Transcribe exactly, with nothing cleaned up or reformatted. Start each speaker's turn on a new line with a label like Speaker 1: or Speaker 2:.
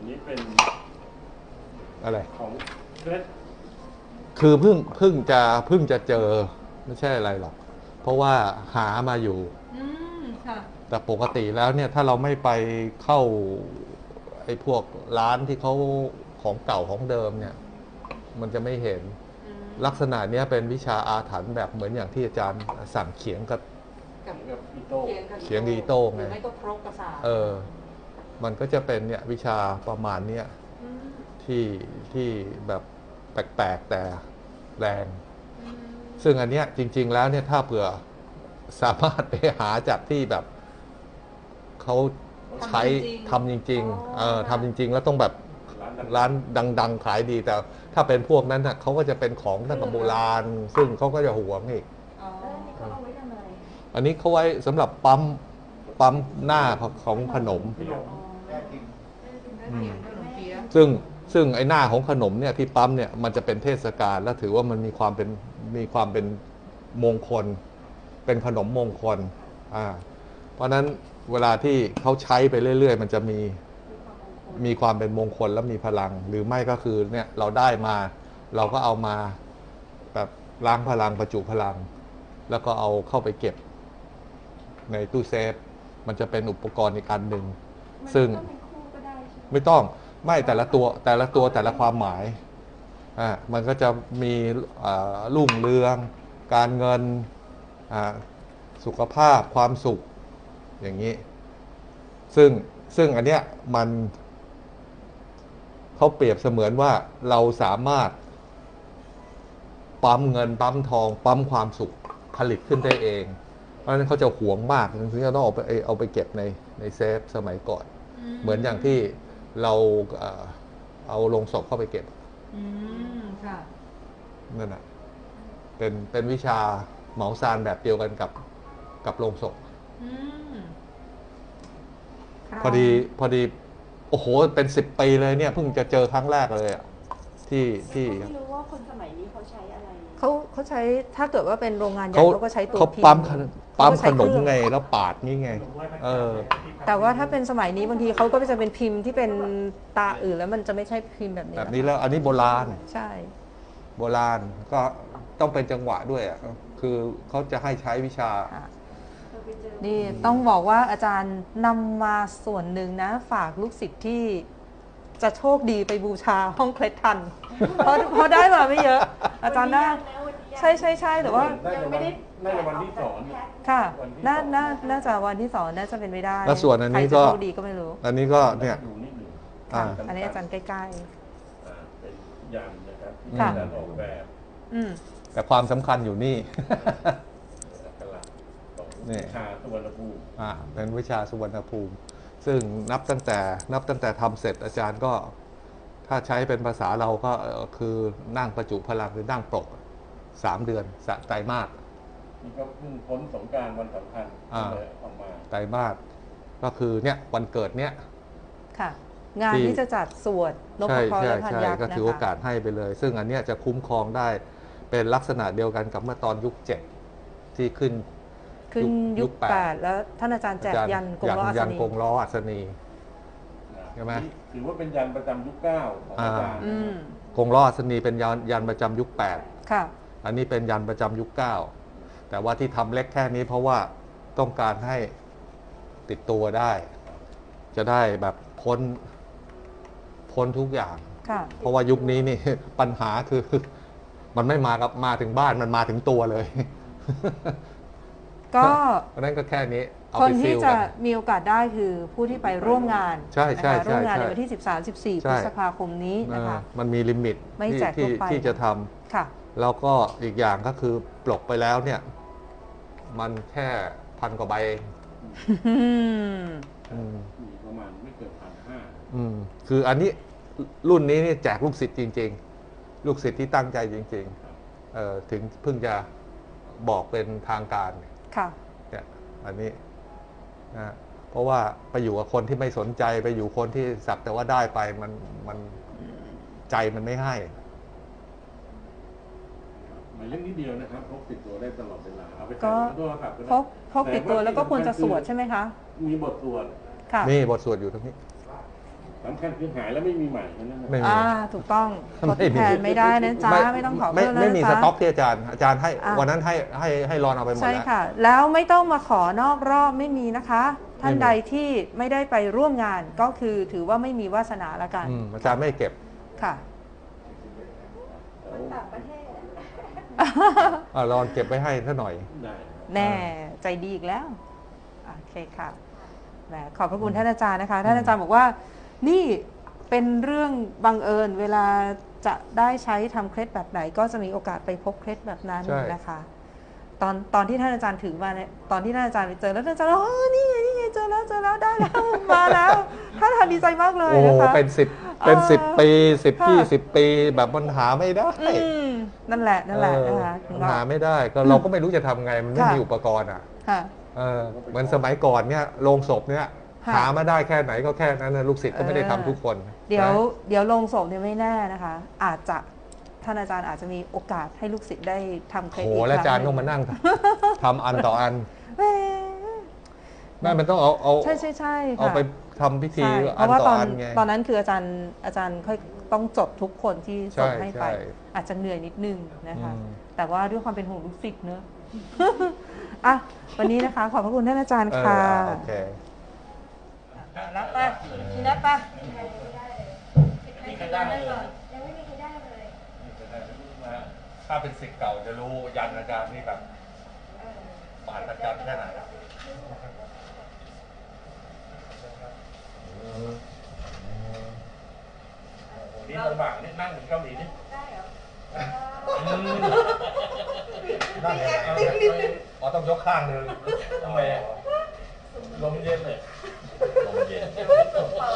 Speaker 1: อันนี้เป็น
Speaker 2: อะไร
Speaker 1: ของเพชร
Speaker 2: คือเพิ่งเพิ่งจะเพิ่งจะเจอไม่ใช่อะไรหรอกเพราะว่าหามาอยู่
Speaker 3: อืมค่ะ
Speaker 2: แต่ปกติแล้วเนี่ยถ้าเราไม่ไปเข้าไอ้พวกร้านที่เขาของเก่าของเดิมเนี่ยมันจะไม่เห็นลักษณะเนี้ยเป็นวิชาอาถรรพ์แบบเหมือนอย่างที่อาจารย์สั่งเขียงกับ
Speaker 3: กับ
Speaker 1: กับอีโต้
Speaker 2: เขียงอีโต้ไง
Speaker 3: หรือไม่ก็ครกกระสาบ
Speaker 2: เออมันก็จะเป็นเนี่ยวิชาประมาณเนี้ย
Speaker 3: อืม
Speaker 2: ที่ที่แบบแปลกๆแต่แรง
Speaker 3: อืม
Speaker 2: ซึ่งอันเนี้ยจริงๆแล้วเนี่ยถ้าเผื่อสามารถไปหาจากที่แบบเขาใช้ทำจริงๆเออทำจริงๆ แล้วต้องแบบ
Speaker 1: ร้านดัง
Speaker 2: ร้านดังๆขายดีแต่ถ้าเป็นพวกนั้นน่ะเขาก็จะเป็นของตั้งแต่โบราณ ซึ่งเขาก็จะหวงอีก
Speaker 3: อ๋อ
Speaker 4: แล้วนี่เขาเอาไว้ทำอะไร
Speaker 2: อันนี้เขาไว้สำหรับปั๊มปั๊มหน้าของขนม
Speaker 1: ขนม
Speaker 2: อืม
Speaker 3: ขนมเปี๊ยะ
Speaker 2: ซึ่งซึ่งไอ้หน้าของขนมเนี่ยที่ปั๊มเนี่ยมันจะเป็นเทศกาลและถือว่ามันมีความเป็นมีความเป็นมงคล เป็นขนมมงคลอ่าเพราะฉะนั้นเวลาที่เขาใช้ไปเรื่อยๆ มันจะมีมีความเป็นมงคลและมีพลัง หรือไม่ก็คือเนี่ยเราได้มาเราก็เอามาแบบล้างพลังประจุพลัง แล้วก็เอาเข้าไปเก็บในตู้เซฟ มันจะเป็นอุปกรณ์อีกอันหนึ่งซึ่ง
Speaker 4: มันเป็นคู่ก็ได้ใช่ไหม
Speaker 2: ไม่ต้องไม่แต่ละตัวแต่ละตัวแต่ละความหมายอ่ามันก็จะมีอ่ารุ่งเรือง การเงินอ่าสุขภาพความสุขอย่างนี้ ซึ่งซึ่งอันเนี้ยมันเขาเปรียบเสมือนว่าเราสามารถปั๊มเงินปั๊มทอง ปั๊มความสุขผลิตขึ้นได้เอง เพราะฉะนั้นเขาจะหวงมากถึงจะต้องเอาไปเอาไปเก็บในในเซฟสมัยก่อน เหมือนอย่างที่เราเอ่อเอาลงศพเข้าไปเก็บ
Speaker 3: อืมค่ะ
Speaker 2: นั่นแหะเป็นเป็นวิชาเหมาซานแบบเดียวกันกับกับโลงศพ
Speaker 3: อืม
Speaker 2: พอดีพอดีโอ้โหเป็นสิบปีเลยเนี่ยเพิ่งจะเจอครั้งแรกเลยอะที่ที่
Speaker 4: ไม่รู้ว่าคนสมัยนี้เขาใช้อะไร
Speaker 3: เขาเขาใช้ถ้าเกิดว่าเป็นโรงงานใหญ่
Speaker 2: เขา
Speaker 3: เขาก็ใช้ตัว
Speaker 2: เขา
Speaker 3: พิมพ์
Speaker 2: ปั๊มขนปั๊ม
Speaker 3: เขาก็
Speaker 2: ข
Speaker 3: ใช้
Speaker 2: น
Speaker 3: เครื่
Speaker 2: ม
Speaker 3: อง
Speaker 2: ไงแล้วปาดนี่ไง เออ
Speaker 3: แต่ว่าถ้าเป็นสมัยนี้บางทีเขาก็จะเป็นพิมพ์ที่เป็นตาอื่นแล้วมันจะไม่ใช่พิมพ์แบบนี้
Speaker 2: แบบนี้แล้วอันนี้โบราณ
Speaker 3: ใช่
Speaker 2: โบราณก็ต้องเป็นจังหวะด้วยอ่ะคือเขาจะให้ใช้วิชา
Speaker 3: ค่ะ
Speaker 4: เราไปเจอ
Speaker 3: นี่ต้องบอกว่าอาจารย์นำมาส่วนหนึ่งนะ ฝากลูกศิษย์ที่จะโชคดีไปบูชาห้องเคล็ดทัน เพราะเพราะได้มาไม่เยอะ อาจารย์น่าใช่ใช่ใช่แต่ว่า
Speaker 1: น่าจะวันน่าจะวันที่สอน
Speaker 3: ค่ะ
Speaker 1: วันที่
Speaker 3: น่า
Speaker 1: สอง
Speaker 3: น่าน่าจะวันที่สองน่าจะเป็นไม่ได้
Speaker 2: แล้วส่วนอันนี้ก็
Speaker 3: ใครจะโชคดีก็ไม่รู้
Speaker 2: อันนี้ก็เนี่ย
Speaker 1: ดูนิดหนึ่ง
Speaker 2: อ่า
Speaker 3: อันนี้อาจารย์ใกล้
Speaker 1: อ่าเป็นยันนะครับที่
Speaker 3: ค่ะ
Speaker 1: อาจารย์ออกแบบ
Speaker 3: ๆ อืม
Speaker 2: แต่ความสำคัญอยู่นี่
Speaker 1: อักขระของ
Speaker 2: นี่
Speaker 1: วิชาสุวรรณภูมิ
Speaker 2: อ่าเป็นวิชาสุวรรณภูมิ ซึ่งนับตั้งแต่นับตั้งแต่ทำเสร็จอาจารย์ก็ ถ้าใช้เป็นภาษาเราก็เอ่อคือนั่งประจุพลังหรือนั่งปลกสามเดือนสะไตรมาส
Speaker 1: นี่ก็เพิ่งพ้นสงกรานต์วันสำคัญ
Speaker 2: อ่า
Speaker 1: ก็เลยออกมา
Speaker 2: ไตรมาสก็คือเนี่ยวันเกิดเนี่ย
Speaker 3: ค่ะ งาน
Speaker 2: ที่
Speaker 3: ที่จะจัดสวดนพ
Speaker 2: ใช่
Speaker 3: เคราะห์
Speaker 2: ใช่
Speaker 3: และพัน
Speaker 2: ใช่
Speaker 3: ยักษ์
Speaker 2: ก็
Speaker 3: นะ
Speaker 2: ถือโอ
Speaker 3: คะ
Speaker 2: กาสให้ไปเลย ซึ่งอันเนี้ยจะคุ้มครองได้เป็นลักษณะเดียวกันกับเมื่อตอนยุคเจ็ดที่ขึ้น
Speaker 3: ขึ้น
Speaker 2: ยุ
Speaker 3: ยุ
Speaker 2: ค
Speaker 3: ค
Speaker 2: แปด
Speaker 3: แปดแล้วท่านอาจารย์แจกยันกงล้ออัศ
Speaker 2: ยัน
Speaker 3: นี
Speaker 2: กงล้ออัศนี ใช่ไหม
Speaker 1: นี่ถือว่าเป็นยันประจำยุคเก้าของอาจารย์
Speaker 3: อืม
Speaker 2: กงล้ออัศนีเป็นยันยันประจำยุคแปด
Speaker 3: ค่ะ
Speaker 2: อันนี้เป็นยันประจำยุคเก้าแต่ว่าที่ทำเล็กแค่นี้เพราะว่าต้องการให้ติดตัวได้ จะได้แบบพ้นพ้นทุกอย่าง
Speaker 3: ค่ะ
Speaker 2: เพราะว่ายุคนี้นี่ ปัญหาคือ มันไม่มากับมาถึงบ้านมันมาถึงตัวเลย
Speaker 3: ก็
Speaker 2: เพราะฉะนั้นก็แค่นี้เอา
Speaker 3: คน
Speaker 2: ไปฟิ
Speaker 3: ที่
Speaker 2: ล
Speaker 3: จะ
Speaker 2: กัน
Speaker 3: มีโอกาสได้คือผู้ที่ไปร่วมงาน
Speaker 2: ใช่ใช่
Speaker 3: นะคะ
Speaker 2: ใช่
Speaker 3: ร่วมงาน
Speaker 2: ใช่
Speaker 3: ในวันที่ สิบสาม สิบสี่
Speaker 2: ใช่
Speaker 3: พฤษภาคมนี้นะคะ
Speaker 2: เออมันมีลิมิต
Speaker 3: ไม่
Speaker 2: ที่
Speaker 3: แจกทั่
Speaker 2: ที่
Speaker 3: วไป
Speaker 2: ที่จะทำ
Speaker 3: ค่ะ
Speaker 2: แล้วก็อีกอย่างก็คือปลกไปแล้วเนี่ย มันแค่พันกว่าใบเอง
Speaker 3: อืม
Speaker 2: อืม
Speaker 1: มีประมาณไม่เกินพันห้า
Speaker 2: อืมคืออันนี้รุ่นนี้นี่แจกลูกศิษย์จริง ๆ ลูกศิษย์ที่ตั้งใจจริงๆเอ่อถึงเพิ่งจะบอกเป็นทางการ
Speaker 3: ค่ะ
Speaker 2: เนี่ยอันนี้นะเพราะว่าไปอยู่กับคนที่ไม่สนใจไปอยู่คนที่สักแต่ว่าได้ไปมันมันใจมันไม่ให้
Speaker 1: หมายเลขนิดเดียวนะครับพกติดตัวได้ตลอดเวลาเอาไป
Speaker 3: ก็
Speaker 1: ใส่ในโทรศัพท์ก็ได้
Speaker 3: พกพกติดตัวแล้วก็ควรจะสวดใช่ไหมคะ
Speaker 1: มีบทสวด
Speaker 3: ค่ะ
Speaker 2: นี่บทสวดอยู่ตรงนี้
Speaker 1: สำคัญคือหายแล้วไม่มีใหม่แค่นั้นนะ
Speaker 2: ไม่มี
Speaker 3: อ่าถูกต้องทด
Speaker 2: ไม่มี
Speaker 3: แทนไม่ได้นะจ๊ะไม่ต้องขอ
Speaker 2: ไม่
Speaker 3: เพิ่มแล้ว
Speaker 2: ไม่
Speaker 3: นะ
Speaker 2: มี
Speaker 3: จ๊ะ
Speaker 2: สต็อกที่อาจารย์ อาจารย์ให้
Speaker 3: อ่ะ
Speaker 2: วันนั้นให้ให้ให้รอนเอาไปหมด
Speaker 3: ใช่
Speaker 2: แล้ว
Speaker 3: ค่ะ แล้วไม่ต้องมาขอนอกรอบไม่มีนะคะ ท่าน
Speaker 2: ไม่มี
Speaker 3: ใดที่ไม่ได้ไปร่วมงานก็คือถือว่าไม่มีวาสนาละกัน
Speaker 2: อืมอาจารย์ไม่เก็บ
Speaker 3: ค่ะ
Speaker 4: คนต่างประเทศอะ
Speaker 2: อ่ะรอนเก็บไว้ให้ซะหน่อย
Speaker 1: ได้
Speaker 3: แน่ใจดีอีกแล้วโอเคค่ะแหมขอบพระคุณท่านอาจารย์นะคะ ท่านอาจารย์บอกว่า นี่เป็นเรื่องบังเอิญเวลาจะได้ใช้ทำเคล็ดแบบไหน ก็จะมีโอกาสไปพบเคล็ดแบบนั้น
Speaker 2: ใช่
Speaker 3: นะคะ ตอนตอนที่ท่านอาจารย์ถือมาเนี่ยตอนที่ท่านอาจารย์ไปเจอแล้วท่านอาจารย์บอกอ๋อนี่ไงนี่ไงเจอแล้วเจอแล้วได้แล้ว มาแล้วท่านอาจารย์ดีใจมากเลย
Speaker 2: โอ้โห
Speaker 3: นะคะ
Speaker 2: เป็นสิบเป็นสิบ
Speaker 3: เออ
Speaker 2: ปีสิบ
Speaker 3: ค่ะ
Speaker 2: ยี่สิบปีแบบมันหาไม่ได้
Speaker 3: อืมนั่นแหละนั่นแหละ
Speaker 2: เออ
Speaker 3: นะคะถึง
Speaker 2: มัน
Speaker 3: ว่า
Speaker 2: หาไม่ได้ก็เราก็ไม่รู้จะทำไงมันไม่
Speaker 3: ค่ะ
Speaker 2: มีอุปกรณ์อ่ะ
Speaker 3: ค่ะ
Speaker 2: เออเหมือนสมัยก่อนเนี่ยโรงศพเนี่ย
Speaker 3: ค่ะ
Speaker 2: หามาได้แค่ไหนก็แค่นั้นนะลูกศิษย์ก็ไม่ได้ทำทุกคน
Speaker 3: เดี๋ยว
Speaker 2: นะ
Speaker 3: เดี๋ยวลงศพเนี่ยไม่แน่นะคะ อาจจะท่านอาจารย์อาจจะมีโอกาสให้ลูกศิษย์ได้ทำเคล็ด
Speaker 2: โห
Speaker 3: อีก
Speaker 2: แล้วอาจารย์
Speaker 3: ค
Speaker 2: ต้
Speaker 3: รั้
Speaker 2: อง
Speaker 3: งห
Speaker 2: มา
Speaker 3: นึ่ง
Speaker 2: นั่ง ทำอันต่ออัน
Speaker 3: เอ้ย
Speaker 2: แม่มันต้องเอาเอา
Speaker 3: ใช่ใช่ใช่
Speaker 2: เอา
Speaker 3: ค่ะ
Speaker 2: ไปทำพิธี
Speaker 3: ใช่เพ
Speaker 2: อัน
Speaker 3: ราะว่า
Speaker 2: ต่
Speaker 3: ต
Speaker 2: อ
Speaker 3: อน
Speaker 2: อันไง
Speaker 3: ตอนนั้นคืออาจารย์อาจารย์ค่อยต้องจดทุกคนที่ส่ง
Speaker 2: ใช่
Speaker 3: ให้ไป
Speaker 2: ใช่
Speaker 3: อาจจะเหนื่อยนิดนึงนะคะ
Speaker 2: อืม
Speaker 3: แต่ว่าด้วยความเป็นห่วงลูกศิษย์เนอะ อ่ะวันนี้นะคะ ขอบพระคุณท่านอาจารย์
Speaker 2: เออ
Speaker 3: ค่ะ
Speaker 2: อ่ะโอเค
Speaker 3: รับไปทีนัดไป
Speaker 1: มีใครได้เลย
Speaker 4: ยังไม่มีใครได้เลย
Speaker 2: ถ้าเป็นศิษย์เก่าจะรู้ยันอาจารย์นี่แบบบาดอาจารย์แค่ไหน
Speaker 1: นี่ลำบากนี่นั่งเหมือนเกาหลีนี่
Speaker 4: ได้เหรอ
Speaker 2: นั่นไงอ๋อต้องยกข้างหนึ่ง
Speaker 1: ทำไมอะลมเย็นเลย
Speaker 2: ลมเย็น
Speaker 4: เปิด